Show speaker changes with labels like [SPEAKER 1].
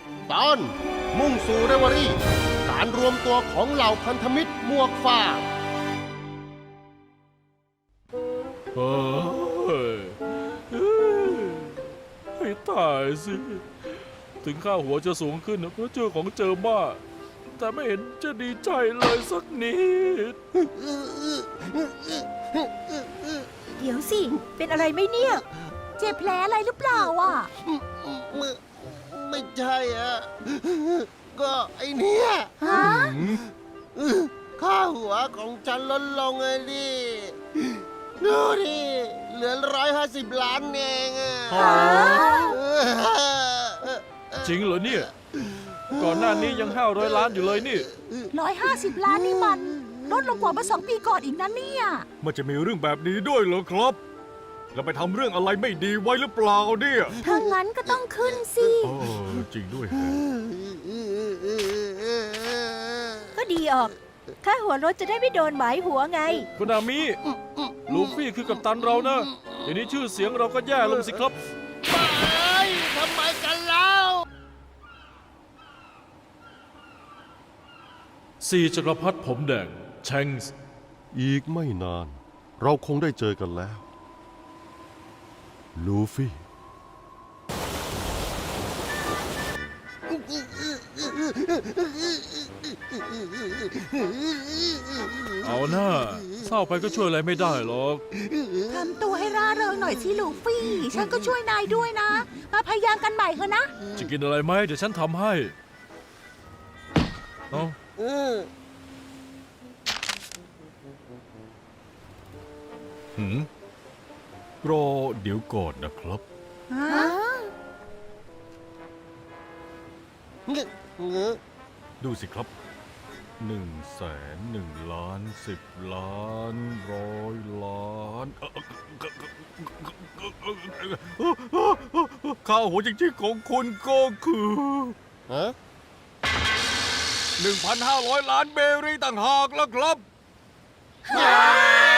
[SPEAKER 1] ตอนมุ่งสู่เรวารี่การรวมตัวของเหล่าพันธมิตรหมวกฟ้า
[SPEAKER 2] เฮ้ยให้ตายสิ ถึงค่าหัวจะสูงขึ้นเพราะเจอของเจอมากแต่ไม่เห็นจะดีใจเลยสักนิด
[SPEAKER 3] เดี๋ยวสิ เป็นอะไรไหมเนี่ย เจ็บแผลอะไรหรือเปล่าอ่ะ
[SPEAKER 1] ไม่ใช่อะก็ไอเนี้ย
[SPEAKER 3] ฮะ
[SPEAKER 1] ค่าหัวของฉันลดลงไงดิดูดิเหลือ150 ล้านเองอะ
[SPEAKER 2] จริงเหรอเนี่ย ก่อนหน้านี้ยัง500 ล้านอยู่เลยนี่
[SPEAKER 3] 150 ล้านนี่มันลดลงกว่าเมื่อ2 ปีก่อนอีกนะเนี่ย
[SPEAKER 4] มันจะมีเรื่องแบบนี้ด้วยเหรอครับ แล้วไปทำเรื่องอะไรไม่ดีไว้หรือเปล่าเนี่ย
[SPEAKER 3] ถ้างั้นก็ต้องขึ้นสิ
[SPEAKER 4] เออจริงด้วย
[SPEAKER 3] ก็ดีออก ค่าหัวรถจะได้ไม่โดนหมายหัวไง
[SPEAKER 2] คุณอามิลูฟี่คือกัปตันเรานะอย่างนี้ชื่อเสียงเราก็แย่ลงสิครับ
[SPEAKER 1] ทำไมกันแล้ว
[SPEAKER 2] 4 จักรพรรดิผมแดงแชงส์
[SPEAKER 5] อีกไม่นาน เราคงได้เจอกันแล้ว ลูฟี่
[SPEAKER 2] เอาหน้าเศร้าไปก็ช่วยอะไรไม่ได้หรอก
[SPEAKER 3] ทำตัวให้ร่าเริงหน่อยสิลูฟี่ ฉันก็ช่วยนายด้วยนะ มาพยายามกันใหม่เถอะนะ
[SPEAKER 2] จะกินอะไรไหมเดี๋ยวฉันทำให้เอา
[SPEAKER 4] หืมรอเดี๋ยวก่อนนะครับ
[SPEAKER 3] ฮะ
[SPEAKER 4] ดูสิครับ1,1,10,000,000 100,000,000ค่าหัวจริงๆของคุณก็คือ
[SPEAKER 1] ฮะ
[SPEAKER 4] 1,500 ล้านเบรีต่างหากแล้วครับ
[SPEAKER 1] ว้า